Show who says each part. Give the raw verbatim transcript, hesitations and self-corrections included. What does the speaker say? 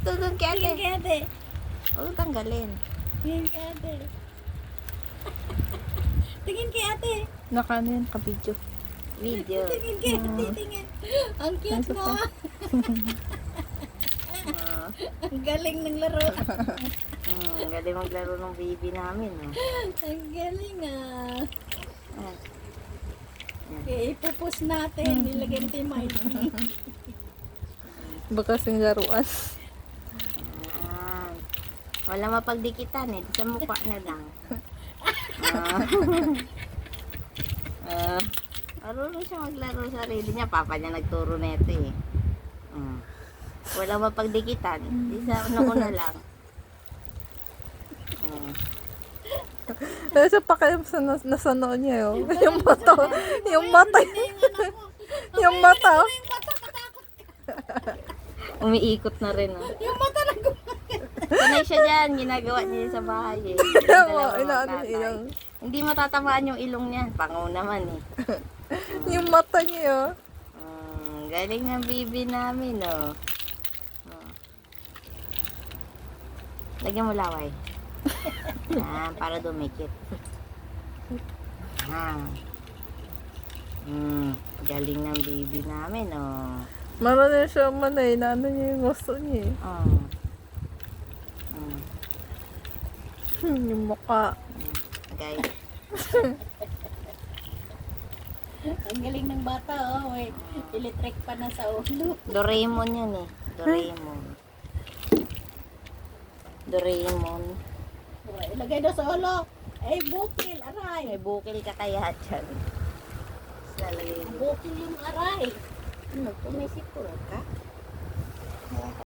Speaker 1: doon kay ate.
Speaker 2: Tingin kay ate.
Speaker 1: Huwag tanggalin.
Speaker 2: Tingin kay ate. Tingin kay ate.
Speaker 3: Naka ano yan, ka-video.
Speaker 1: Video.
Speaker 2: Tingin kay ate, tingin. Ang cute mo.
Speaker 1: Ah.
Speaker 2: Ang galing ng laro.
Speaker 1: Hmm, galing maglaro ng baby namin. Oh.
Speaker 2: Ang galing ah.
Speaker 1: Ah.
Speaker 2: Okay, ipupus natin. Nilagay natin yung mic.
Speaker 3: Baka kasing laruan.
Speaker 1: Ah. Wala mapagdikitan eh. Sa mukha na lang. Ah. Ah. Marunong siya maglaro sa sarili niya. Papa niya nagturo na ito eh. Hmm. Wala mapagdikitan. Di sa una-una lang. Hmm.
Speaker 3: Dahil sa pakiam sa nas nasa noo niya yun. Yung mata. Yung mata. Yung mata.
Speaker 2: Yung mata, matakot.
Speaker 1: Umiikot na rin. Oh.
Speaker 2: Yung mata na
Speaker 1: Sanay siya dyan. Ginagawa niya sa bahay eh.
Speaker 3: Kaya mo,
Speaker 1: Dalawang
Speaker 3: inaano
Speaker 1: tatay.
Speaker 3: ilang.
Speaker 1: Hindi matatamaan yung ilong niya. Pangaw naman eh.
Speaker 3: Yung mata niya.
Speaker 1: Mm, galing ng bibi namin, oh. Oh. Lagyan mo laway. Ah, para dumikit. Ah. Mm, galing ng bibi namin, oh.
Speaker 3: Marami siya manay. Naano niya yung gusto niya eh.
Speaker 1: Oh. Mm,
Speaker 3: Hmm, yung mukha.
Speaker 1: okay.
Speaker 2: Ang galing ng bata, oh. Wait, electric pa na sa ulo.
Speaker 1: Doraemon yan eh. Doraemon. Doraemon.
Speaker 2: Oh, ilagay daw sa ulo. Ay, bukil, aray.
Speaker 1: May bukil ka kaya dyan. Lalagay mo.
Speaker 2: Bukil yung aray.
Speaker 1: Ano, pumisip ko ka?